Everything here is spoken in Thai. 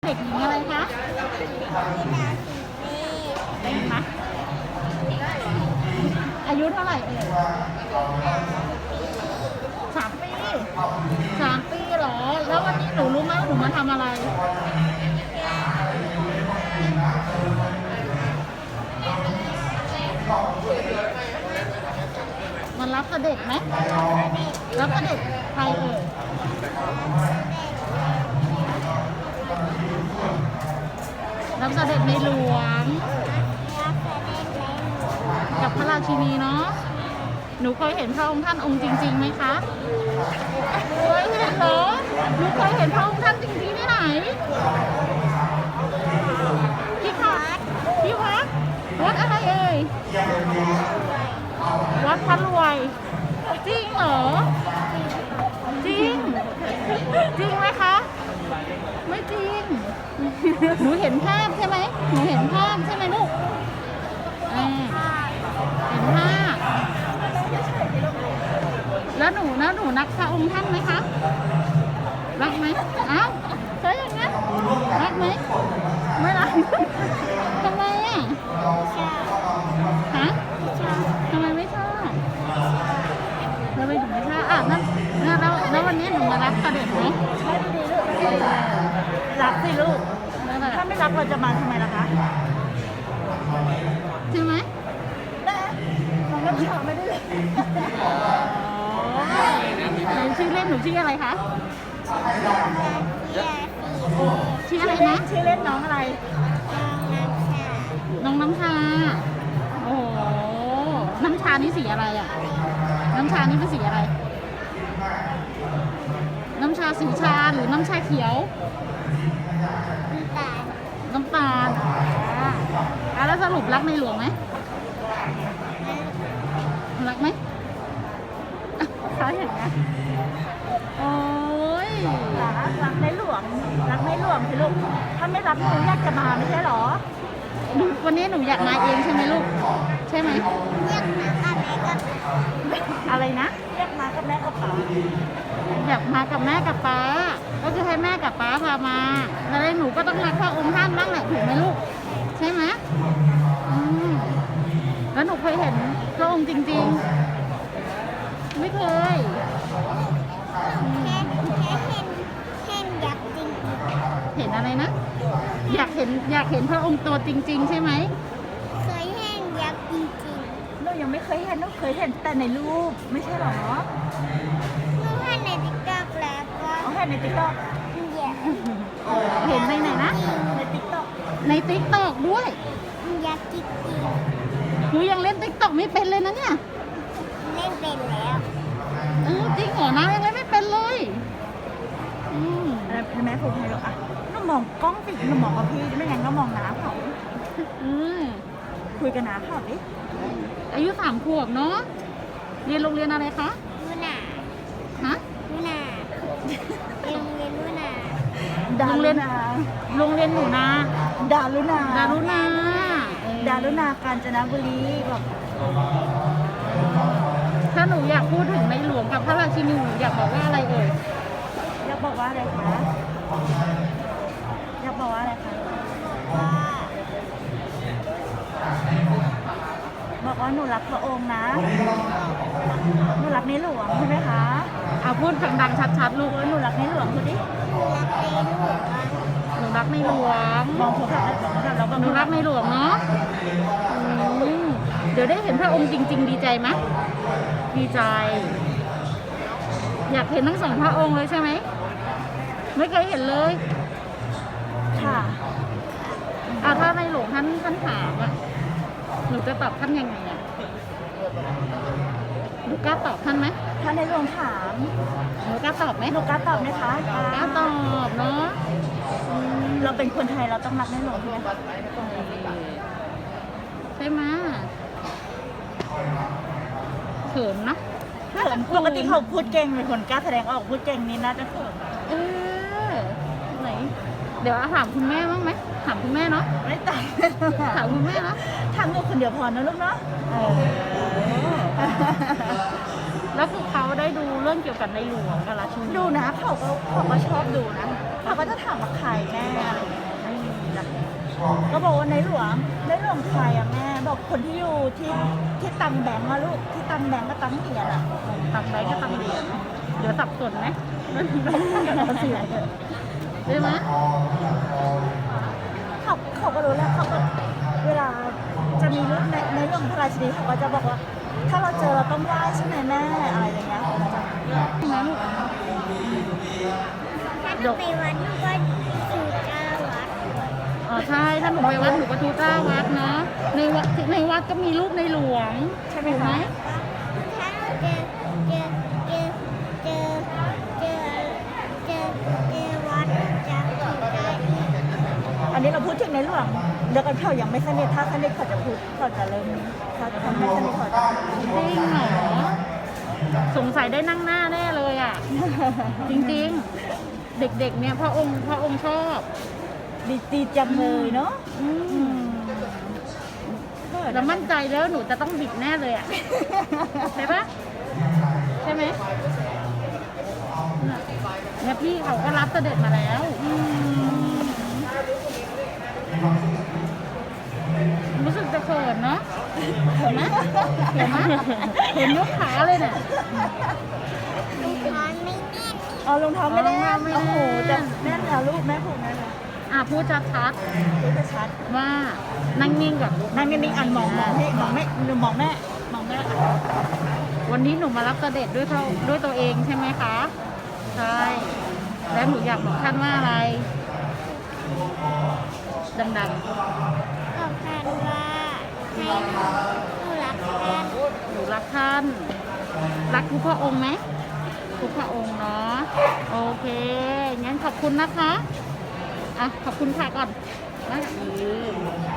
เด็กหญิงอะไรคะเป็นไหมอายุเท่าไหร่เอ่ย3 ปี3 ปีเหรอ แล้ววันนี้หนูรู้ไหมว่าหนูมาทำอะไรมันรับเสด็จไหมรับเสด็จใครเอ่ยรับเสด็จในหลวงกับพระราชินีเนาะหนูเคยเห็นพระองค์ท่านองค์จริงๆไหมคะเคยเห็นเหรอหนูเคยเห็นพระองค์ท่านจริงๆที่ไหนที่วัดวัดอะไรเอ่ยวัดพระรวยจริงเหรอจริงไหมคะไม่จริงหนูเห็นภาพใช่ไหมหนูเห็นภาพใช่ไหมลูกเห็นภาพแล้วหนูรักพระองค์ท่านไหมคะรักไหมอ้าวใช่อย่างนั้นรักไหมไม่รักทำไมอ่ะฮะทำไมไม่ชอบแล้วไม่ถึงไม่ชอบอ่ะแล้ววันนี้หนูมารับเสด็จไหมรักสิลูกถ้าไม่รักเราจะมาทำไมล่ะคะใช่ไหมน้องน้ำชาไม่ได้เลยชื่อเล่นหนูชื่ออะไรคะชื่ออะไรนะชื่อเล่นน้องอะไรน้องน้ำชาโอ้โหน้ำชานี่สีอะไรอ่ะน้ำชานี่เป็นสีอะไรน้ำชาสีชาหรือน้ำชาเขียวน้ำตาลแล้วสรุปรักในหลวงไหมรักไหมใช่อย่างนี้โอ้ยรักในหลวงสิลูกถ้าไม่รักหนูอยากจะมาไม่ใช่หรอวันนี้หนูอยากมาเองใช่ไหมลูกใช่ไหมอยากมากับแม่กับอะไรนะอยากมากับแม่กับป๊าอยากมากับแม่กับป๊าก็คือให้แม่กับป๊าพามาแล้วหนูก็ต้องรักพระองค์ท่านบ้างแหละถูกไหมลูกใช่ไหมแล้วหนูเคยเห็นพระองค์จริงๆไม่เคยแค่เห็นยักษ์จริงเห็นอะไรนะอยากเห็นพระองค์ตัวจริงๆใช่ไหมเคยเห็นยักษ์จริงๆหนูยังไม่เคยเห็นหนูเคยเห็นแต่ในรูปไม่ใช่หรอหนูเห็นในติ๊กต็อกแล้วก็เห็นในติ๊กต็อกเห็นในไหนนะในติ๊กต็อกด้วยยักษ์จริงหนูยังเล่นติ๊กต็อกไม่เป็นเลยนะเนี่ยเล่นเป็นแล้วจริงเหรอนะยังเล่นไม่เป็นเลยแม่พูดให้ลูกอ่ะน้องมองกล้องสิน้องมองกับพี่ไม่งั้นก็มองน้าเขาคุยกันน้าเขาดิอายุ3 ขวบเนาะเรียนโรงเรียนอะไรคะลูน่าฮะลูน่าโรงเรียนลูน่าโรงเรียนหนูนะดารุณา กาญจนบุรีแบบถ้าหนูอยากพูดถึงในหลวงกับพระราชินีอยากบอกว่าอะไรเอ่ยอยากบอกว่าอะไรคะบอกว่าหนูรักพระองค์นะหนูรักในหลวงใช่ไหมคะพูดดังๆชัดๆลูกหนูรักในหลวงพูดดิหนูรักในหลวงมองโทรศัพท์แล้วก็หนูรักในหลวงเนาะเดี๋ยวได้เห็นพระองค์จริงๆดีใจไหมดีใจอยากเห็นทั้ง2 พระองค์เลยใช่ไหมไม่เคยเห็นเลยค่ะถ้าในหลวงท่านถามอ่ะหนูจะตอบท่านยังไงอ่ะหนูกล้าตอบท่านไหมถ้าในหลวงถามหนูกล้าตอบไหมหนูกล้าตอบไหมคะกล้าตอบเนาะเราเป็นคนไทยเราต้องรักในหลวงใช่ไหมใช่ไหมเขินนะปกติเขาพูดเก่งเป็นคนกล้าแสดงออกพูดเก่งนี่น่าจะเขินไหนเดี๋ยวถามคุณแม่บ้างไหมถามคุณแม่เนาะไม่ตายถามคุณแม่นะทำลูกคนเดียวพอนะลูกเนาะแล้วคือเขาได้ดูเรื่องเกี่ยวกับในหลวงกับราชินีดูนะเขาก็ชอบดูนะเขาก็จะถามว่าใครแม่อะไรอย่างเงี้ยไม่มีแบบก็บอกว่าในหลวงใครอะแม่บอกคนที่อยู่ที่ตังแบงก์อะลูกที่ตังแบงก์กับตังเหรียญอะตังใบก็ตังเหรียญเดี๋ยวสับสนไหมใช่ไหมเขาก็รู้แล้วเขาก็เวลาจะมีรูปในหลวงพระราชินีเขาก็จะบอกว่า ถ้าเราเจอเราต้องไหว้ใช่ไหมแม่อะไรอย่างเงี้ยเขาจะนะลูกถ้าหนูไปวัดหนูก็สู่เจ้าวัดใช่ถ้าหนูไปวัดหนูก็ทูเจ้าวัดนะในวัดก็มีรูปในหลวงใช่ไหมคะถ้าหนูเจอวัดจะสู่ได้อีกอันนี้เราพูดถึงในหลวงเดี๋ยวกันเขายังไม่สนิทถ้าสนิทเขาจะพูดเขาจะเริ่มถ้าไม่สนิทเขาจะจริงเหรอสงสัยได้นั่งหน้าแน่เลยอ่ะ จริงๆ เด็กๆเนี่ยพระองค์ชอบดีจังเลยเนาะแล้วมั่นใจแล้วหนูจะต้องบิดแน่เลยอ่ะ ใช่ปะใช่ไหมเนี่ยพี่เขาก็รับเสด็จมาแล้วรู้สึกจะเขินเนาะเห็นไหมเห็นไหมเห็นยกขาเลยเนี่ยเอารองเท้าไม่แน่รองเท้าไม่แน่โอ้โหแต่แน่นแล้วลูกแม่ผูกแน่นแล้วพูดชัดพูดจะชัดๆว่านั่งนิ่งก่อนนั่งนิ่งๆอ่านมองพี่มองแม่หนูมองแม่อ่ะวันนี้หนูมารับเสด็จด้วยตัวเองใช่ไหมคะใช่แล้วหนูอยากบอกท่านว่าอะไรดังบอกท่านว่าให้หนูรักท่านๆหนูรักท่านรักทุกพระองค์ไหมทุกพระองค์เนาะโอเคงั้นขอบคุณนะคะขอบคุณค่ะก่อนนะ